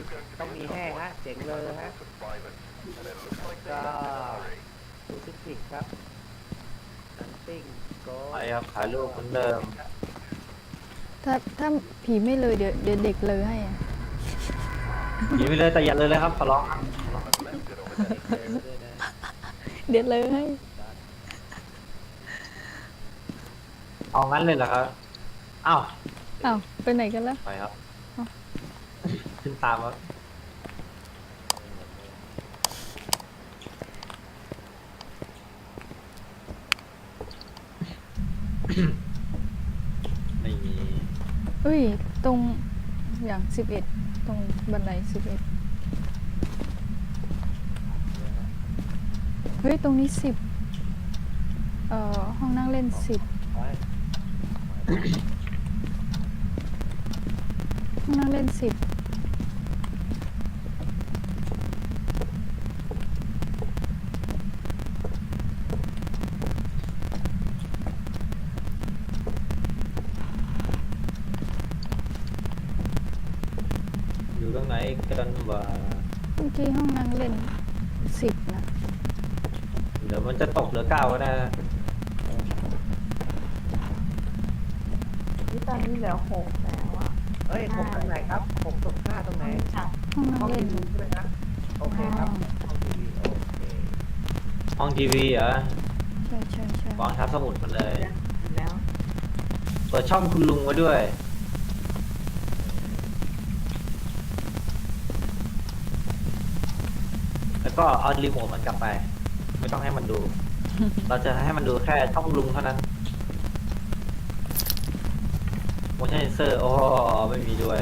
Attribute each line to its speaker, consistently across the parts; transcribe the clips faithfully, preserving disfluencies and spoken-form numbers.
Speaker 1: ต้องมีแห้งฮะเจ๋งเลยฮะก็ดูซิฟิกครับนันติ้งโก
Speaker 2: ไปครับถ่ายรูปเหมือนเดิม
Speaker 3: ถ้าถ้าผีไม่เลยเดี๋ยวเดี๋ยวเด็กเลยให้อะ
Speaker 2: หนีไปเลยแต่อย่าเลยเลยครับขอร้องครับ
Speaker 1: เลยด้วยนะ
Speaker 3: เดี๋ยวเลยให้
Speaker 2: เอางั้นเลยเหรอครับอ้าว
Speaker 3: อ้าวไปไหนกันแล้ว
Speaker 2: ไปครับ
Speaker 3: เอ้า
Speaker 2: ขึ้นตามครับไม่มี
Speaker 3: เอ้ยตรงอย่างสิบเอ็ดตรงบันไดสิบเอ็ดเฮ้ยตรงนี้สิบเอ่อห้องนั่งเล่นสิบ
Speaker 1: ไว้
Speaker 3: ห้องนั่งเล่นสิบ
Speaker 2: อยู่ตรงไหนกันวะ
Speaker 3: เมื่อกี้ห้องนั่งเล่นสิบนะ
Speaker 2: เดี๋ยวมันจะตกเหลือเก้าก็ได้นะ
Speaker 4: นี่ตอนนี้เหลือหกแล้วอ่ะ
Speaker 1: เฮ้ยหกตรงไหนครับหกตรงห้าตรงไหน
Speaker 4: จับ
Speaker 3: ห้องนั่
Speaker 1: ห้อง ง
Speaker 3: เล่
Speaker 1: ที
Speaker 3: น
Speaker 1: วีใช่ไหมครับโอเคครับห้องทีวีโอเค
Speaker 2: ห้องทีวีเหรอ
Speaker 3: ใช่ใช่ใช่
Speaker 2: วางทับสมุดมันเลย
Speaker 4: แล้ว
Speaker 2: เปิดช่องคุณลุงไว้ด้วย แล้วก็เอารีโมทมันกลับไป ไม่ต้องให้มันดู เราจะให้มันดูแค่ช่องลุงเท่านั้น motion sensor โอ้ไม่มีด้วย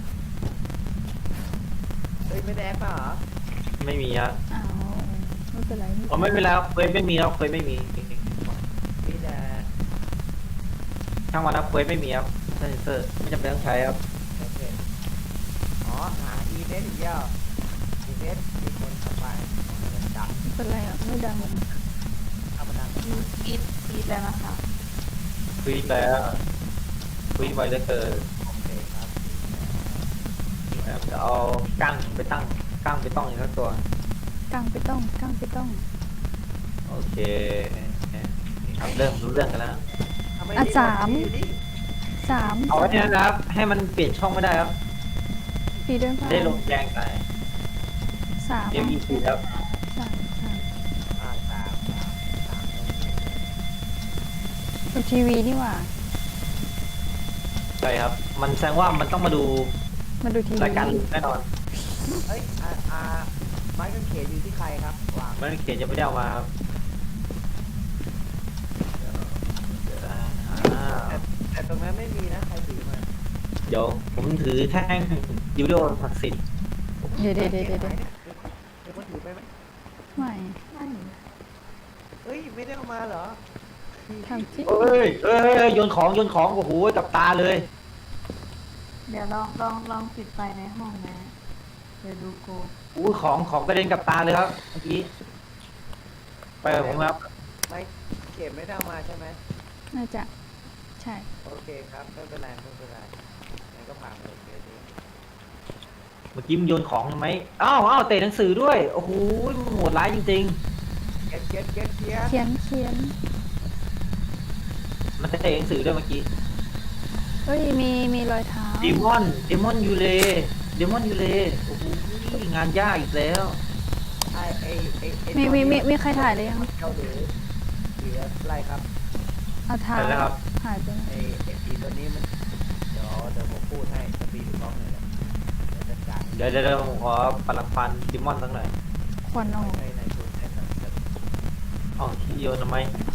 Speaker 1: เฮ้ยไม่ได้แอปเปล่าเหรอ
Speaker 2: ไม่มีครับ
Speaker 3: อ้าวไม่เป็นไร
Speaker 2: อ๋อไม่เป็นไรครับเคยไม่มีครับเคยไม่มี
Speaker 1: มีแต่
Speaker 2: ช่างวันครับเคยไม่มีครับ motion sensor ไม่จำเป็นต้องใช้ครับ
Speaker 1: โอเคอ๋อหาอีเมสอีกแล้วอีเมสมีคนเข้าไปมันดัง
Speaker 3: ไม่เป็นไรอ่ะไม่ดัง
Speaker 1: เอามาดัง
Speaker 4: อีทอีทแล้วนะคะ
Speaker 2: คุยแล้วคุยไวเหลือเกิน
Speaker 1: โอเคครับ
Speaker 2: นะครับเดี๋ยวเอากั้งไปตั้งกั้งไปต้องอีกสักตัว
Speaker 3: กางไปต้องกางไปต้อง
Speaker 2: โอเคครับเริ่มรู้เรื่องกันแล้ว
Speaker 1: ทำไม
Speaker 3: อ่ะ
Speaker 1: นี่
Speaker 3: สาม
Speaker 1: อยู่นี่
Speaker 3: สาม
Speaker 2: เอาไว้เนี่ยนะครับ ให้มันเปลี่ยนช่องไม่ได้ครับ
Speaker 3: ผีเดินผ่าน
Speaker 2: ได้ลงแดงไป
Speaker 3: สาม
Speaker 2: เดี๋ยวอีกทีครับ
Speaker 3: สามสาม
Speaker 1: อ่าสามสามสามตรงนี้
Speaker 3: เป็นทีวีนี่หว่า
Speaker 2: ใช่ครับ มันแสดงว่ามันต้องมาดู
Speaker 3: มาดูทีวี
Speaker 2: รายการลุงแน่นอน
Speaker 1: เฮ้ยอ่าอ่าไม้กางเขนอยู่ที่ใครครับวาง
Speaker 2: มันเขียนยังไม่ได้เอามาครับเดี๋ยวอ่า
Speaker 1: แต่แต่ตรงนั้นไม่มีนะใครถือมา
Speaker 2: เดี๋ยวผมถือแท่งยูโดศักดิ์สิทธิ์
Speaker 3: เดี๋ยวเดี๋ยวเดี๋ยวเดี๋ยวเดี๋ยว
Speaker 1: เดี๋ยวคนถือไปไหม
Speaker 3: ไม่
Speaker 4: นั่น
Speaker 1: เฮ้ยไม่ได้เอามาเหรอ
Speaker 3: ทำที่
Speaker 2: เอ้ยเอ้ยเอ้ยโยนของโยนของโอ้โหกับตาเลย
Speaker 4: เดี๋ยวลองลองลองปิดไฟในห้องนะ เดี๋ยวดูโกด
Speaker 2: อู้ของของกระเด็นกับตาเลยครับเมื่อกี้ไปกับผมครับ
Speaker 1: ไม่เก็บไม่ได้เอามาใช่ไหม
Speaker 3: น่าจะใช่
Speaker 1: โอเคครับไม่เป็นไรไม่เป็นไรงั้นก็ผ่านไปเดี๋ยวนี้
Speaker 2: เมื่อกี้มันโยนของทำไมอ้าวอ้าวเตะหนังสือด้วยโอ้โหมันโหดร้ายจริง
Speaker 1: เก็ตเก็ตเก็ตเก็ต
Speaker 3: เขียนเขียน
Speaker 2: ๆ มันเตะหนังสือด้วยเมื่อกี้
Speaker 3: เฮ้ยมีมีรอยเท้า
Speaker 2: เดมอนเดมอนยูเลเดมอนยูเลโอ้โหงานยากอีกแล้ว
Speaker 1: ไอไอไอไอ
Speaker 3: มีมีมีมีใครถ่ายเลยยัง
Speaker 1: เจ้าหรือเหลืออะไรครับ
Speaker 3: เอาเท้า
Speaker 2: ไปแล้วครับ
Speaker 3: หายไปไหน
Speaker 1: ไอไอปีตัวนี้มันเดี๋ยวเดี๋ยวผมพูดให้สปีดบล็อกเลยนะเดี๋ยวจัดการ
Speaker 2: เดี๋ยวเดี๋ยวเดี๋ยวผมขอปลักฟันเดมอนสักหน่อย
Speaker 3: ควันออก
Speaker 1: ในในทุนในสังกัด
Speaker 2: อ๋อที่โยนทำไม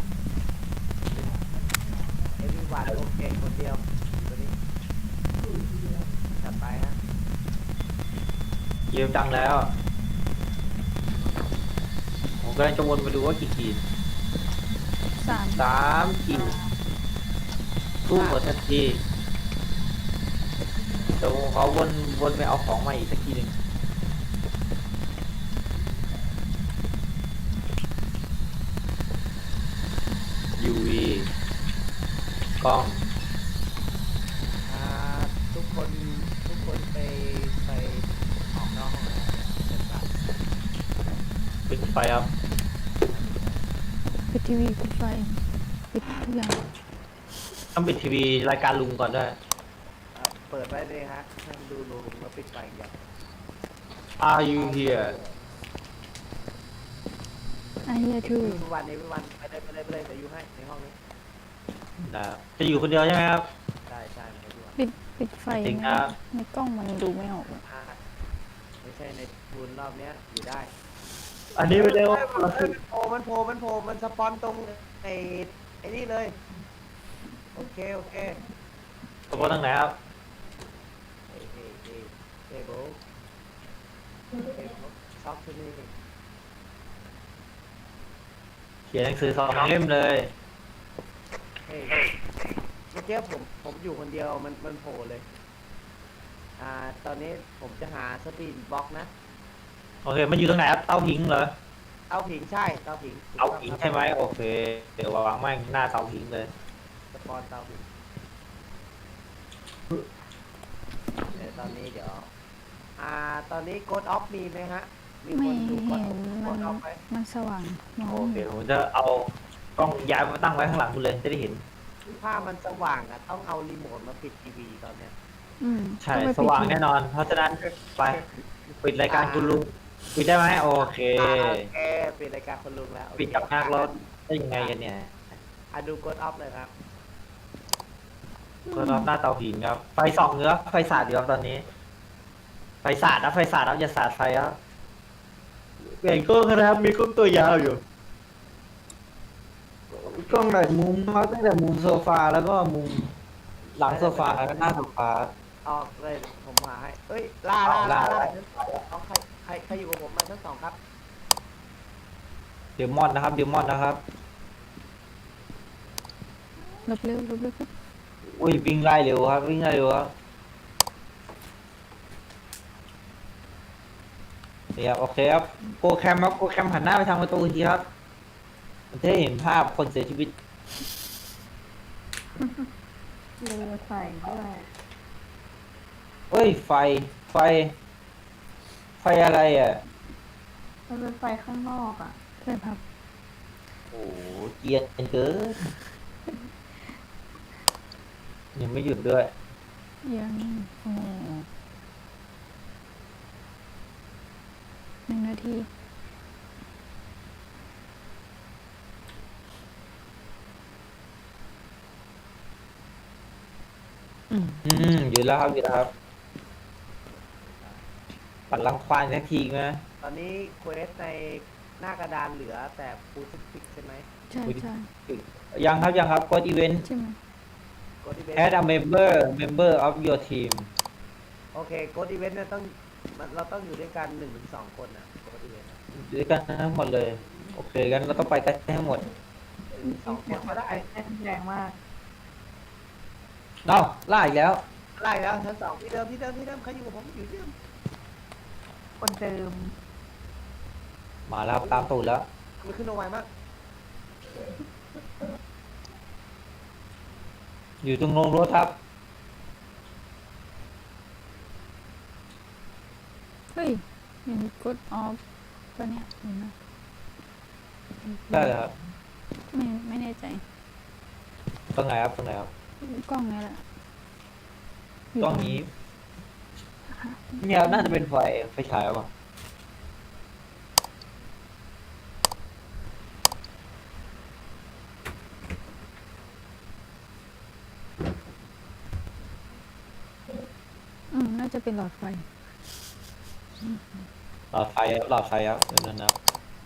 Speaker 1: เอวีวันโอเคคนเดียวตัวนี้จัดไปฮะ
Speaker 2: เกมดังแล้ว ผมกำลังจะวนไปดูว่ากี่ขีด
Speaker 3: สาม
Speaker 2: สามขีดตู้หมดทันทีเดี๋ยวผมขอวนวนไปเอาของมาอีกสักทีหนึ่ง ยู วี กล้อง
Speaker 1: อ่าทุกคนทุกคนไปไปออก
Speaker 2: ไฟครับ
Speaker 3: ปิดทีวีปิดไฟปิดทุกอย่าง
Speaker 2: ต้องปิดทีวีรายการลุงก่อนด้วย
Speaker 1: อ่ะเปิดไว้เลยฮะให้มันดูลุงแล้วปิดไฟอย่าง
Speaker 2: Are you here
Speaker 3: ไอเฮียทู
Speaker 1: ทุกวันนี้ทุกวันไปเลยไปเลยไปเลยจะอยู่ให้ในห้องนี้
Speaker 2: นะครับจะอยู่คนเดียวใช่ไหมครับ
Speaker 1: ใช่ใช่ไม่ทุกวัน
Speaker 3: ปิดปิดไฟ
Speaker 2: จริง
Speaker 3: ใน
Speaker 2: ครับ
Speaker 3: ในกล้องมันดูไม่ออกอะ
Speaker 1: อ่าไม่ใช่ในทุนรอบเนี้ยอยู่ได้
Speaker 2: อันนี้ไม่ได้ว่า
Speaker 1: เอ้ยมันโผล่มันโผล่มันโผล่มันสปอนตรงไอ้ไอ้นี่เลย โอเค โอเค
Speaker 2: สมมติตั้งไหนครับ
Speaker 1: เฮ้ยเฮ้ยเฮ้ยเฮ้ยโบ๊ะเฮ้ยโบ๊ะช็อกที่นี่
Speaker 2: เขียนหนังสือสองเล่มเลย
Speaker 1: เฮ้ยเมื่อกี้ผมผมอยู่คนเดียวมันมันโผล่เลย อ่า ตอนนี้ผมจะหาสปีดบล็อกนะ
Speaker 2: โอเค มันอยู่ตรงไหนครับ เต้าผิงเหรอ
Speaker 1: เตาผิงใช่ เตาผิง
Speaker 2: เต้าผิงใช่ไหมโอเค เดี๋ยววางแม่งหน้าเต้าผิงเลย
Speaker 1: สปอนเตาผิงเดี๋ยวตอนนี้เดี๋ยว อ่า ตอนนี้โกดออฟมีไหมฮะ มีค
Speaker 3: ไม่
Speaker 1: นดูโก
Speaker 3: เห็
Speaker 1: ด
Speaker 3: น
Speaker 1: โก
Speaker 3: มัน
Speaker 1: ดออฟไหม
Speaker 3: มันสว่างมอง
Speaker 2: โอ
Speaker 3: ไม่
Speaker 2: เค
Speaker 3: เห็น
Speaker 2: ผมจะเอากล้องย้ายมาตั้งไว้ข้างหลังคุณเลยจะได้เห็น
Speaker 1: ถ้ามันสว่างอะต้องเอารีโมทมาปิดทีวีตอนเนี้ย
Speaker 3: อืม
Speaker 2: ใช่
Speaker 3: ต้องไป
Speaker 2: สว่าง
Speaker 3: ปิด
Speaker 2: แน่นอน เพราะฉะนั้นไปปิดรายการคุณลุงปิดได้ไหมโอเค
Speaker 1: อ่าโอเคปิดรายการคนลุงแล้วโอเค
Speaker 2: ปิดกับนักรถได้ยังไงกันเนี่ย
Speaker 1: อ่ะดูโกดออฟเลยครับ
Speaker 2: ก็รอบหน้าเตาผิงครับ ไฟส่องเนื้อไฟสาดอยู่ครับตอนนี้ ไฟสาดนะไฟสาดครับอย่าสาดไฟครับเปลี่ยนกล้องนะครับมีกล้องตัวยาวอยู่ กล้องหลายมุมมากตั้งแต่มุมโซฟาแล้วก็มุมหลังโซฟาแล้วก็หน้าโซฟา
Speaker 1: ออกเลยผมหาให้เอ้ยล่าล่า
Speaker 2: ล่า
Speaker 1: ล่า
Speaker 2: ล่า
Speaker 1: ล่าเอาใครใครใครอยู่กับผมมาทั้งสองครับ
Speaker 2: เดมอนนะครับเดมอนนะครับ
Speaker 3: ลบเร็วลบเร็วครับ
Speaker 2: อุ้ยวิ่งไล่เร็วครับวิ่งไล่เร็วครับเนี่ยโอเคครับโปรแคมครับโปรแคมหันหน้าไปทางประตูทีครับมันจะได้เห็นภาพคนเสียชีวิต
Speaker 4: เรือใส่ด้วย
Speaker 2: เฮ้ยไฟไฟ ไฟอะไรอ่ะ
Speaker 4: มันเป็นไฟข้างนอกอ่ะ
Speaker 3: ใช่ครับ
Speaker 2: โอ้โหเกรียนเกินยังไม่หยุดด้วย
Speaker 3: ยังโอ้หนึ่งนาที อืม
Speaker 2: อืมหยุดแล้วครับหยุดแล้วครับปัดรังควานสักทีไหม
Speaker 1: ตอนนี้เควสในหน้ากระดานเหลือแต่ฟูซิฟิกใช่ไหม
Speaker 3: ใช่ใช่
Speaker 2: ยังครับยังครับกดอีเวนต์
Speaker 3: ใช่ไหม
Speaker 1: กดอีเวน
Speaker 2: add a
Speaker 1: ต์
Speaker 2: member member of your team
Speaker 1: โอเคกดอีเวนต์เนี่ยต้องมันเราต้องอยู่ด้วยกันหนึ่งถึงสองคนนะกดอีเวนต์
Speaker 2: อยู่ด้วยกันทั้งหมดเลย โอเคกันเราต้องไปกันทั้งหมด
Speaker 1: หนึ่งถึงสองคนก็ได้
Speaker 4: แรงแรงมาก
Speaker 2: เอ้าล่าอีกแล้ว
Speaker 1: ไล่แล้วชั้นสองที่เดิมที่เดิมที่เดิมใครอยู่กับผมอยู่ที่เดิม
Speaker 4: คนเดิม
Speaker 2: มาแล้วครับตามตูดแล้ว
Speaker 1: มันขึ้นเอาไวมาก
Speaker 2: อยู่ตรงโรงรถครับ
Speaker 3: เฮ้ยเห็นกดออฟปะเนี่ยเห็นไหม
Speaker 2: ได้เลยครับ
Speaker 3: ไม่ไม่แน่ใจ
Speaker 2: ตรงไหนครับตรงไหนครับ
Speaker 3: กล้องนี่แหละยู่
Speaker 2: ตรงนี้เนี่ยน่าจะเป็นไฟไฟฉายป่ะ
Speaker 3: อืมน่าจะเป็นหลอดไฟ
Speaker 2: หลอดไฟครับหลอดไฟครับเดี๋ยวนั้นนะครับ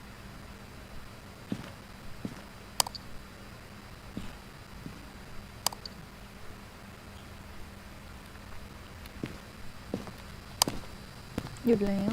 Speaker 3: หยุดแล้ว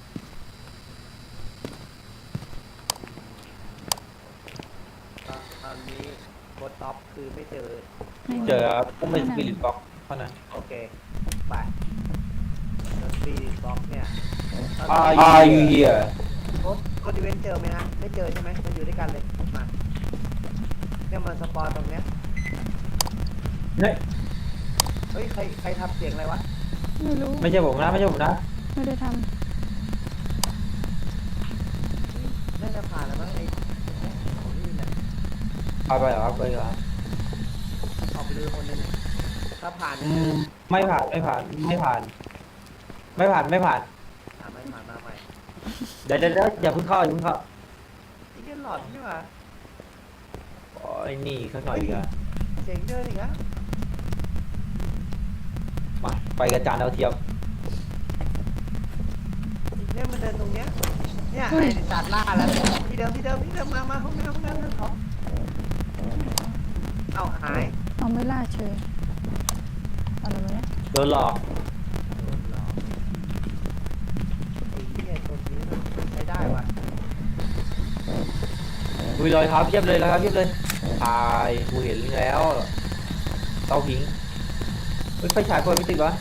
Speaker 1: ตอนนี้กดท็อปคือไม่เจอ
Speaker 3: ไม่
Speaker 2: เจอครับต้องเป็นสปิริตบ็อกเท่านั้น
Speaker 1: โอเคไปแล้วสปีดบล็อกเนี่ย
Speaker 2: Are you here
Speaker 1: กดกดอีเวนต์เจอไหมฮะไม่เจอใช่ไหมมันอยู่ด้วยกันเลยมาเนี่ยมันสปอนตรงเนี้ย
Speaker 2: เนี่ย
Speaker 1: เฮ้ยใครใครทำเสียงอะไรวะ
Speaker 3: ไม่รู้
Speaker 2: ไม่ใช่ผมนะไม่ใช่ผมนะ
Speaker 3: ไม่ได้ท
Speaker 1: ได้จะผ่านแล้วมั้งไอ้ของนี่แหละ
Speaker 2: ไปไปเหรอครับไปเหรอ
Speaker 1: ออกไปดูคนนึงถ้าผ่าน
Speaker 2: อืมไม่ผ่านไม่ผ่านไม่ผ่าน ไม่ผ่านไม่ผ่าน
Speaker 1: อ่าไม่ผ่านมาใหม่
Speaker 2: เดี๋ยวเดี๋ยวเดี๋ยวอย่าเพิ่งเข้าอย่าเพิ่งเข้า
Speaker 1: นี่ก็หลอดนี่หว่า
Speaker 2: โอ้ยนี่ข้างหน่อยดีกว่า
Speaker 1: เจ๋งเดินอีกแล้ว
Speaker 2: มาไปกระจานเอาเทียม
Speaker 1: เนี่ยมันเดินตรงเนี้ยเนี่ยไอ้สัตว์ล่าแล้วที่เดิมที่เดิมที่เดิมมามาห้องน้ำห้องน้ำห้องน้ำเอาหาย
Speaker 3: เอาไม่ล่าเฉยอะไรวะเนี่ย
Speaker 2: โดนหลอก
Speaker 1: ไอ้เหี้ยตัวนี้ใช้ได้ว่ะ
Speaker 2: มีรอยเท้าเพียบเลยนะครับเพียบเลยถ่ายกูเห็นแล้วเตาผิงเฮ้ยไฟฉายคนไม่ติดวะ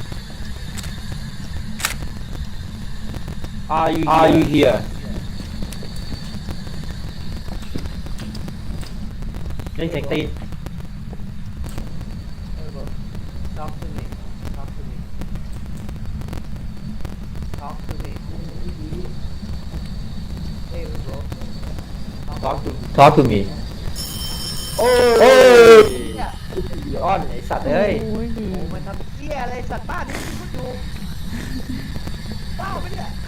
Speaker 2: Are you Are you here ได้เสียงตีน
Speaker 1: เออบอก talk to me talk to me talk to me hey bro
Speaker 2: Talk to Talk to me โอ้ยอ้อนไอสัตว์เอ้ย
Speaker 3: โอ้ยดี
Speaker 1: โอ้มันทำเหี้ยอะไรสัตว์บ้านนี่พูดอยู่เป้าไปเนี่ย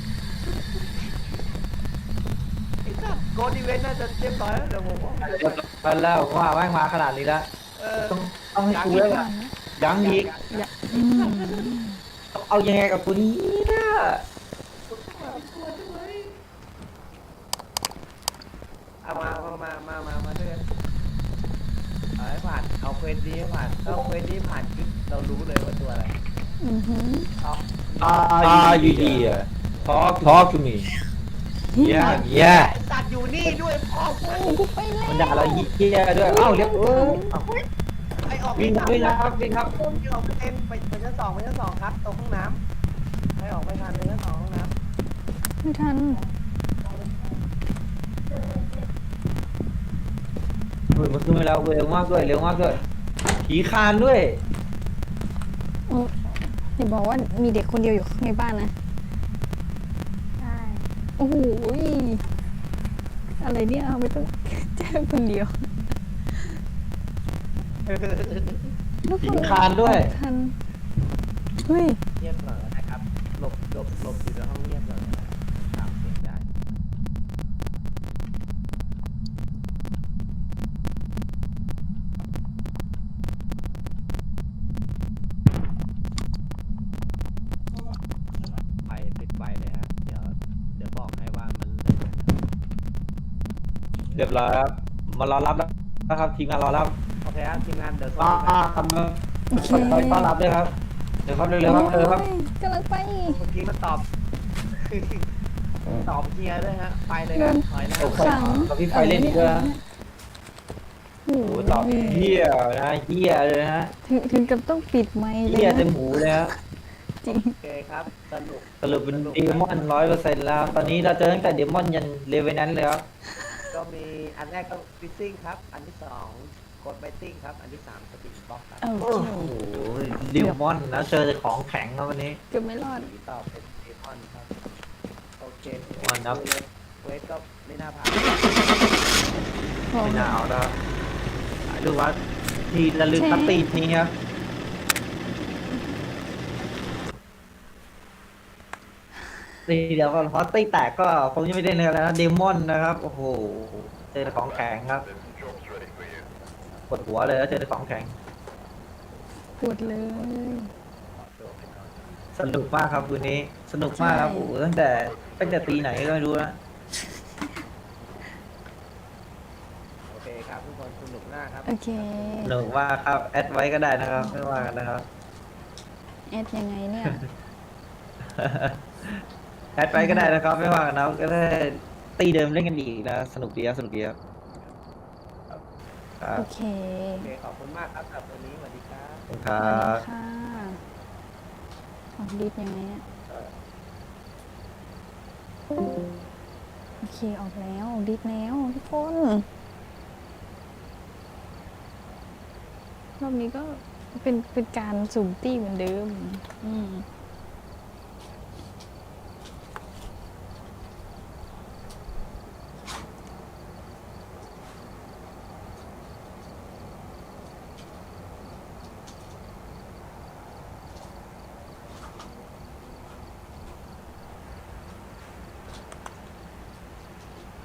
Speaker 1: ไอ้สัตว์โกดีเวนน่าจะเรียบร้อยแล้วเดี๋ยวผมว่า
Speaker 2: มาแล้วว่าแม่งมาขนาดนี้แล้ว
Speaker 1: เออ
Speaker 2: ต้องต้องให้กูแล้วล่ะยังอีก
Speaker 3: อย่าอืม
Speaker 2: เอายังไงกับกูนี้นะ
Speaker 1: เอามาเอามามามามาด้วยกันเอาให้ผ่านเอาเควสนี้ให้ผ่านถ้าเควสนี้ผ่านคือเรารู้เลยว่าตัวอะไร
Speaker 3: อือหือ
Speaker 1: เอา
Speaker 2: Are you here Talk Talk to me Yeah Yeah
Speaker 1: ไอ้สัตว์อยู่นี่ด้วยพ่อกู
Speaker 3: กูไปแล้ว
Speaker 2: มันด่าเราเหี้ยด้วยเอ้าเรียบเอ้ยเอ้า
Speaker 1: ไอ้ออก
Speaker 2: วิ่ง
Speaker 1: ไม่ทัน
Speaker 2: วิ่งครับวิ่งครับ
Speaker 1: วิ่งออกไปเต็มไปไปชั้นสองไปชั้นสองครับตรงห้องน้ำให้ออกไปทันไปชั้นสองห้องน้ำ
Speaker 3: ไม่ทัน
Speaker 2: เฮ้ยมันขึ้นมาแล้วเร็วมากด้วยเร็วมากด้วยผีคานด้วย
Speaker 3: โอ้อย่าบอกว่ามีเด็กคนเดียวอยู่ในบ้านนะ
Speaker 4: ใช่
Speaker 3: โอ้โหยอะไรเนี่ยไม่ต้อง แจ้งคนเดียวแล้ว
Speaker 2: ผีคานด้วย
Speaker 3: ทันเฮ้ย
Speaker 1: เงียบหน่อยนะครับหลบหลบหลบอยู่ในห้องเงียบหน่อยนะครับตามเสียงได้ไฟปิดไฟเลยฮะเดี๋ยวเดี๋ยวบอกให้ว่ามันเลย
Speaker 2: เรียบร้อยครับมารอรับแล้วนะครับทีมงานรอรับ
Speaker 1: โอเคครับทีมงานเดี๋ยวส่ง
Speaker 2: อ่า
Speaker 1: ทีมงาน
Speaker 2: ทำไปต้อนรับด้วยครับเดี๋ยวครับเร็วๆครับเร็วครับ
Speaker 3: โอ้ยกำลังไป
Speaker 1: เมื่อกี้มันตอบ ตอบเฮียด้วยฮะไปเลยครับถอยนะ
Speaker 2: โอเค
Speaker 3: สั่ง
Speaker 2: กับพี่ไฟเล่นอีกด้วยนะ
Speaker 3: โอ้
Speaker 2: โอ้
Speaker 3: โห
Speaker 2: โหตอบเฮียนะเฮียเลยนะ
Speaker 3: ถึงถึงกับต้องปิดไมค์เล
Speaker 2: เฮี
Speaker 3: ย
Speaker 2: ย
Speaker 3: นะ
Speaker 2: เต็มหูเลยฮะ
Speaker 3: จริง
Speaker 1: โอเคครับสนุก
Speaker 2: สรุปเป็นเดมอนร้อยเปอร์เซ็นต์แล้วตอนนี้เราเจอตั้งแต่เดมอนยันเลเวนนั้นเลยครับ
Speaker 1: ก็มีอันแรกก็ฟิซซิ่งครับ อันที่สองกดไบติ้งครับ อันที่สามสปินบล็อกครับ
Speaker 3: โอ
Speaker 2: โอ้
Speaker 3: เค
Speaker 2: โหเดมอนนะเจอแต่ของแข็งครับวันนี้
Speaker 3: เกือบไม่รอด
Speaker 1: ที่ต่อเป็นเดมอนครับ โอเค
Speaker 2: วันนับ
Speaker 1: เวทก็ไม่น่าผ่าน
Speaker 3: พอ
Speaker 2: ไม่น่าเอาแล้วดูว่าทีละลึกตัดตีนี้ครับตีเดี๋ยวก่อนเพราะตีแตกก็ผมยังไม่ได้เนื้อแล้วนะเดมอนนะครับโอ้โหเจอแต่ของแข็งครับปวดหัวเลยแล้วเจอแต่ของแข็ง
Speaker 3: ปวดเลย
Speaker 2: สนุกมากครับคืนนี้สนุกมากครับ
Speaker 3: ใช่
Speaker 2: โอ้โหตั้งแต่ตั้งแต่ตีไหนก็ไม่รู้นะ
Speaker 1: โอเคครับทุกคนสนุกมากครับ
Speaker 3: โอเค
Speaker 2: สนุกมากครับแอดไว้ก็ได้นะครับไม่ว่ากันนะครับ
Speaker 3: แอดยังไงเนี่ย
Speaker 2: แอดไว้ก็ได้นะครับไม่ว่ากันนะก็ได้ตีเดิมเล่นกันอีกนะสนุกดีครับสนุกดีครับครับ
Speaker 3: โอเค
Speaker 1: โอเค ขอบคุณมากครับสำหรับวันนี้สวัสดีครับ
Speaker 2: ขอบคุณครั
Speaker 3: สวัสดี
Speaker 2: บ
Speaker 3: ค่ะออกดิสยังไงเนี่ยโอเคออกแล้วออกดิสแล้วทุกคนรอบนี้ก็เป็นเป็นการสุ่มตี้เหมือนเดิม อืม